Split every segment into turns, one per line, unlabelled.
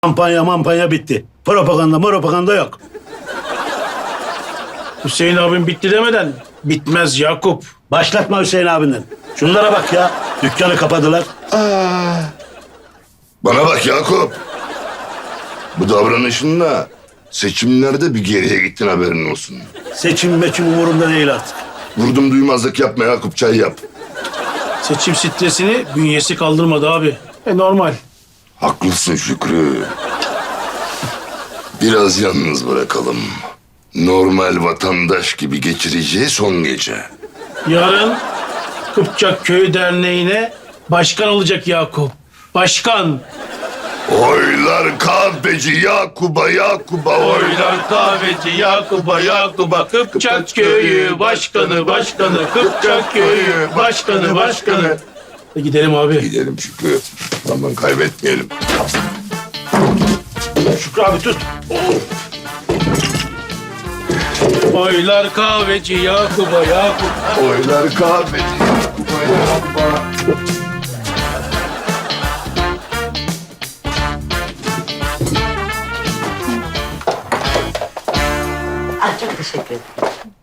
Kampanya bitti. Propaganda yok.
Hüseyin abim bitti demeden bitmez Yakup.
Başlatma Hüseyin abinden. Şunlara bak ya. Dükkanı kapadılar.
Bana bak Yakup. Bu davranışınla seçimlerde bir geriye gittin, haberin olsun.
Seçim umurumda değil artık.
Vurdum duymazlık yapma Yakup, çay yap.
Seçim stresini bünyesi kaldırmadı abi. Normal.
Haklısın Şükrü. Biraz yalnız bırakalım. Normal vatandaş gibi geçireceği son gece.
Yarın Kıpçak Köyü Derneği'ne başkan olacak Yakup. Başkan.
Oylar kahveci Yakup'a
Oylar kahveci Yakup'a Kıpçak Köyü başkanı Kıpçak Köyü başkanı. Gidelim abi.
Gidelim Şükrü. Zaman kaybetmeyelim.
Şükrü abi tut.
Oylar kahveci Yakup'a
Oylar kahveci Yakup'a.
Ah, çok teşekkür ederim.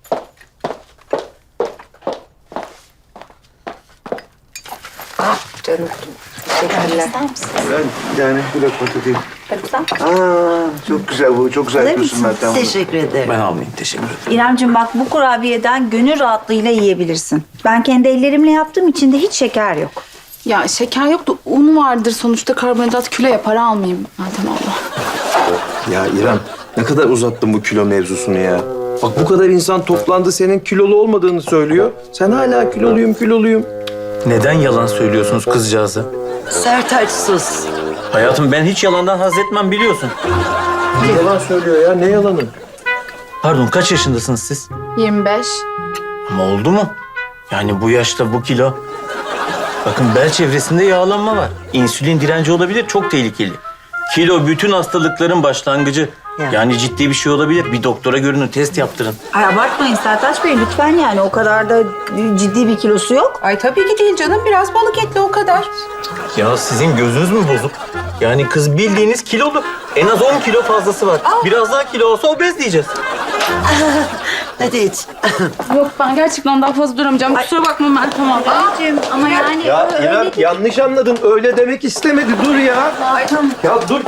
Ah canım. Teşekkürler.
İster misin?
Ben yani bir lokma tutayım.
Sarımsak.
Çok güzel bu. Çok güzel
Alır
yapıyorsun
mısın?
Meltem.
Teşekkür ederim.
Ben almayayım. Teşekkür ederim.
İremciğim bak bu kurabiyeden gönül rahatlığıyla yiyebilirsin. Ben kendi ellerimle yaptığım için de hiç şeker yok.
Ya şeker yok da un vardır. Sonuçta karbonhidrat kilo yapar, almayayım Meltem abla.
Ya İrem, ne kadar uzattın bu kilo mevzusunu ya. Bak bu kadar insan toplandı, senin kilolu olmadığını söylüyor. Sen hala kiloluyum.
Neden yalan söylüyorsunuz kızcağıza?
Sertaç sus.
Hayatım ben hiç yalandan haz etmem biliyorsun.
Yalan söylüyor ya, ne yalanı?
Pardon kaç yaşındasınız siz?
25.
Ama oldu mu? Yani bu yaşta bu kilo. Bakın bel çevresinde yağlanma var. İnsülin direnci olabilir, çok tehlikeli. Kilo bütün hastalıkların başlangıcı.
Ya.
Yani ciddi bir şey olabilir. Bir doktora görünün, test yaptırın.
Ay abartmayın Sertaç Bey lütfen yani o kadar da ciddi bir kilosu yok.
Ay tabii ki değil canım. Biraz balık etli o kadar.
Ya sizin gözünüz mü bozuk? Yani kız bildiğiniz kilolu. En az 10 kilo fazlası var. Biraz daha kilo olsa obez diyeceğiz.
Hadi iç.
Yok ben gerçekten daha fazla duramayacağım. Kusura bakma Meltem abla.
İremciğim ama yani
Ya
öyle
İrem
değil.
yanlış anladın, öyle demek istemedi. Dur ya. Ya dur.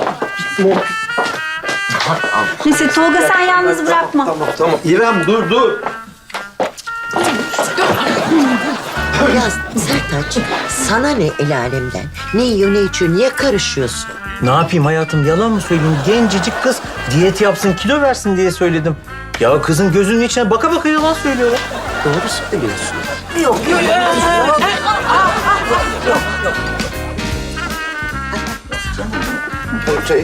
Neyse Tolga sen yalnız bırakma.
Tamam. İrem dur.
Ya Sertaç, sana ne el alemden? Ne yiyor, ne içiyor, niye karışıyorsun?
Ne yapayım hayatım, yalan mı söyleyeyim? Gencecik kız diyet yapsın, kilo versin diye söyledim. Ya kızın gözünün içine baka baka yalan söylüyor.
Doğru söylüyorsun. Yok.
Şey,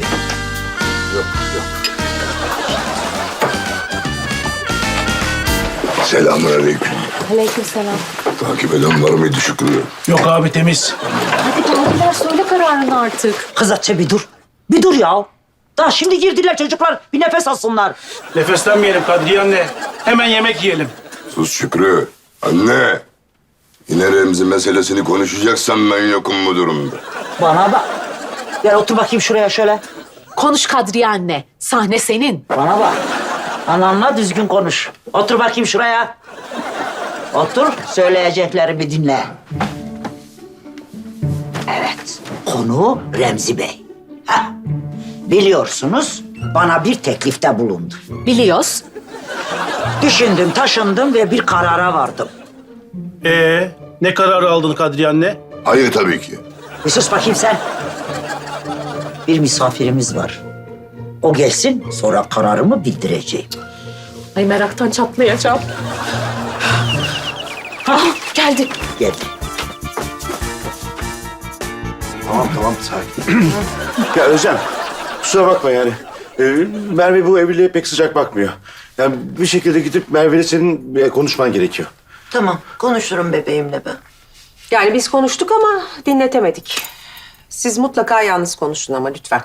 Selamünaleyküm.
Aleykümselam.
Takip eden var mıydı Şükrü?
Yok abi temiz.
Hadi geldiler, söyle kararını artık.
Kız Hatice bir dur. Bir dur ya. Daha şimdi girdiler çocuklar. Bir nefes alsınlar.
Nefeslenmeyelim Kadriye anne. Hemen yemek yiyelim.
Sus Şükrü. Anne. Yine Remzi meselesini konuşacaksan ben yokum bu durumda.
Bana bak. Gel otur bakayım şuraya şöyle.
Konuş Kadriye anne. Sahne senin.
Bana bak. Anamla düzgün konuş. Otur bakayım şuraya. Otur, söyleyecekleri bir dinle. Evet, konu Remzi Bey. Heh. Biliyorsunuz, bana bir teklifte bulundu.
Biliyoruz.
Düşündüm, taşındım ve bir karara vardım.
Ne kararı aldın Kadriye anne?
Hayır tabii ki.
Bir sus bakayım sen. Bir misafirimiz var. O gelsin, sonra kararımı bildireceğim.
Ay meraktan çatlayacağım. Ah, geldi.
Geldi.
tamam sakin. Ya Özlem, kusura bakma yani. Merve bu evliliğe pek sıcak bakmıyor. Yani bir şekilde gidip Merve'yle senin konuşman gerekiyor.
Tamam, konuşurum bebeğimle ben.
Yani biz konuştuk ama dinletemedik. Siz mutlaka yalnız konuşun ama lütfen.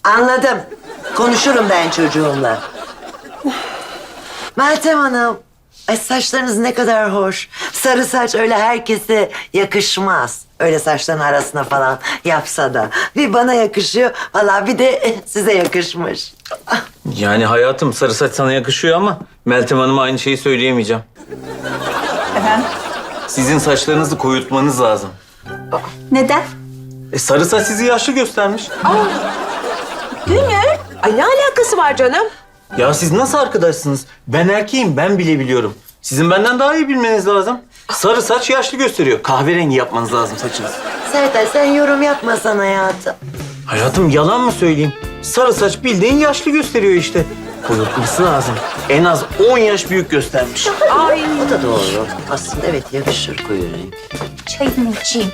Anladım. Konuşurum ben çocuğumla. Meltem Hanım,
Ay saçlarınız ne kadar hoş. Sarı saç öyle herkese yakışmaz. Öyle saçların arasına falan yapsa da. Bir bana yakışıyor, vallahi bir de size yakışmış.
Yani hayatım sarı saç sana yakışıyor ama Meltem Hanım'a aynı şeyi söyleyemeyeceğim.
Efendim?
Sizin saçlarınızı koyultmanız lazım.
Neden?
Sarı saç sizi yaşlı göstermiş.
Gönül.
Ay ne alakası var canım?
Ya siz nasıl arkadaşsınız? Ben erkeğim, ben bile biliyorum. Sizin benden daha iyi bilmeniz lazım. Sarı saç yaşlı gösteriyor. Kahverengi yapmanız lazım saçınızı.
Sertaç sen yorum yapmasan hayatım.
Hayatım yalan mı söyleyeyim? Sarı saç bildiğin yaşlı gösteriyor işte. Koyultması lazım. En az 10 yaş büyük göstermiş.
Ay
O da doğru. Aslında evet yakışır koyu renk.
Çayını içeyim.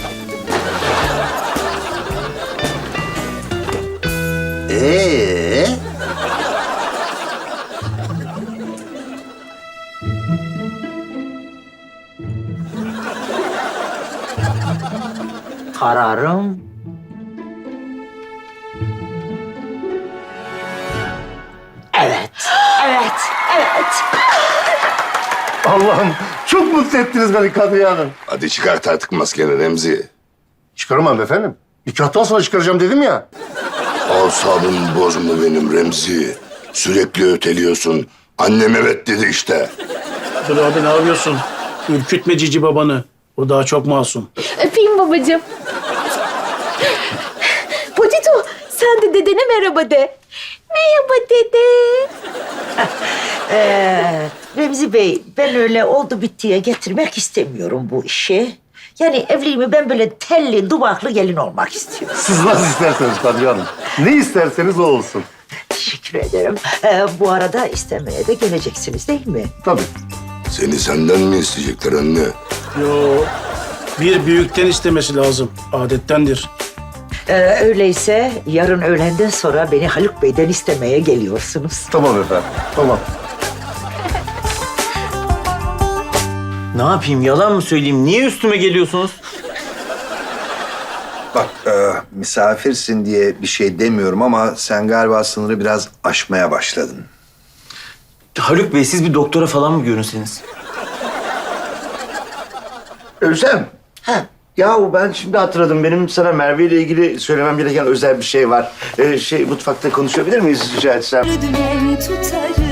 Kararım evet. Evet. Evet.
Allah'ım çok mutlu ettiniz beni Kadriye Hanım.
Hadi çıkart artık maskeni Remzi.
Çıkaramam efendim. Nikahtan sonra çıkaracağım dedim ya.
Asabımı bozma benim Remzi. Sürekli öteliyorsun. Annem evet dedi işte.
Dur abi ne yapıyorsun? Ürkütme cici babanı. O daha çok masum.
Öpeyim babacığım. Potito sen de dedene merhaba de. Merhaba dede.
Remzi Bey, ben öyle oldu bittiye getirmek istemiyorum bu işi. Yani evliliğimi ben böyle telli, duvaklı gelin olmak istiyorum.
Siz nasıl isterseniz Kadriye Hanım. Ne isterseniz o olsun.
Teşekkür ederim. Bu arada istemeye de geleceksiniz değil mi?
Tabii.
Seni senden mi isteyecekler anne?
Yo, bir büyükten istemesi lazım. Adettendir.
Öyleyse yarın öğlenden sonra beni Haluk Bey'den istemeye geliyorsunuz.
Tamam efendim. Tamam.
Ne yapayım yalan mı söyleyeyim? Niye üstüme geliyorsunuz?
Bak misafirsin diye bir şey demiyorum ama sen galiba sınırı biraz aşmaya başladın.
Haluk Bey siz bir doktora falan mı görünseniz?
Özlem. Yahu ben şimdi hatırladım. Benim sana Merve ile ilgili söylemem gereken özel bir şey var. Mutfakta konuşabilir miyiz rica etsem?
Dümen tutarım